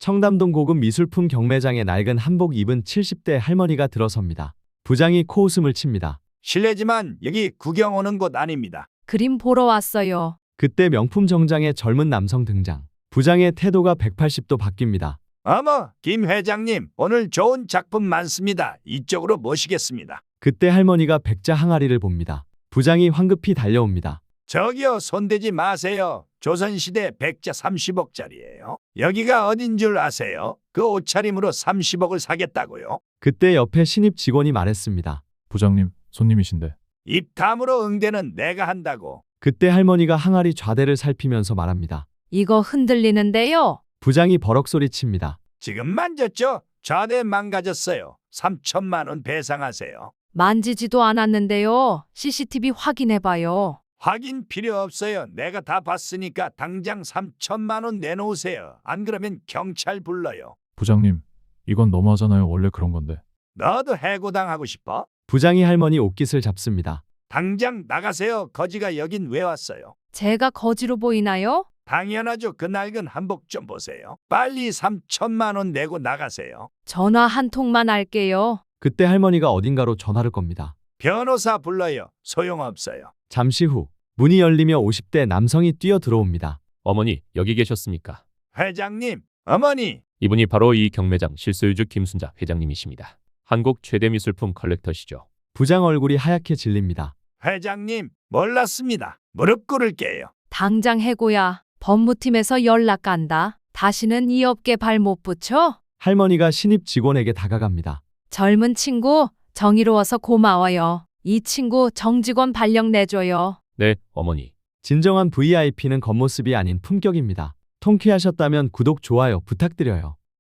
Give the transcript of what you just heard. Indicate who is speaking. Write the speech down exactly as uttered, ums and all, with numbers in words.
Speaker 1: 청담동 고급 미술품 경매장에 낡은 한복 입은 칠십 대 할머니가 들어섭니다. 부장이 코웃음을 칩니다.
Speaker 2: 실례지만 여기 구경 오는 곳 아닙니다.
Speaker 3: 그림 보러 왔어요.
Speaker 1: 그때 명품 정장의 젊은 남성 등장. 부장의 태도가 백팔십 도 바뀝니다.
Speaker 2: 어머, 김 회장님, 오늘 좋은 작품 많습니다. 이쪽으로 모시겠습니다.
Speaker 1: 그때 할머니가 백자 항아리를 봅니다. 부장이 황급히 달려옵니다.
Speaker 2: 저기요, 손대지 마세요. 조선시대 백자 삼십억짜리예요. 여기가 어딘 줄 아세요? 그 옷차림으로 삼십억을 사겠다고요?
Speaker 1: 그때 옆에 신입 직원이 말했습니다.
Speaker 4: 부장님, 손님이신데.
Speaker 2: 입 다물어 응대는 내가 한다고.
Speaker 1: 그때 할머니가 항아리 좌대를 살피면서 말합니다.
Speaker 3: 이거 흔들리는데요.
Speaker 1: 부장이 버럭 소리칩니다.
Speaker 2: 지금 만졌죠? 좌대 망가졌어요. 삼천만 원 배상하세요.
Speaker 3: 만지지도 않았는데요. 씨씨티비 확인해봐요.
Speaker 2: 확인 필요 없어요. 내가 다 봤으니까 당장 삼천만 원 내놓으세요. 안 그러면 경찰 불러요.
Speaker 4: 부장님, 이건 너무하잖아요. 원래 그런 건데.
Speaker 2: 너도 해고당하고 싶어?
Speaker 1: 부장이 할머니 옷깃을 잡습니다.
Speaker 2: 당장 나가세요. 거지가 여긴 왜 왔어요?
Speaker 3: 제가 거지로 보이나요?
Speaker 2: 당연하죠. 그 낡은 한복 좀 보세요. 빨리 삼천만 원 내고 나가세요.
Speaker 3: 전화 한 통만 할게요.
Speaker 1: 그때 할머니가 어딘가로 전화를 겁니다.
Speaker 2: 변호사 불러요. 소용없어요.
Speaker 1: 잠시 후 문이 열리며 오십 대 남성이 뛰어 들어옵니다.
Speaker 5: 어머니, 여기 계셨습니까?
Speaker 2: 회장님, 어머니.
Speaker 5: 이분이 바로 이 경매장 실소유주 김순자 회장님이십니다. 한국 최대 미술품 컬렉터시죠.
Speaker 1: 부장 얼굴이 하얗게 질립니다.
Speaker 2: 회장님, 몰랐습니다. 무릎 꿇을게요.
Speaker 3: 당장 해고야. 법무팀에서 연락 간다. 다시는 이 업계 발 못 붙여?
Speaker 1: 할머니가 신입 직원에게 다가갑니다.
Speaker 3: 젊은 친구, 정의로워서 고마워요. 이 친구 정직원 발령 내줘요.
Speaker 5: 네, 어머니.
Speaker 1: 진정한 브이아이피는 겉모습이 아닌 품격입니다. 통쾌하셨다면 구독, 좋아요 부탁드려요.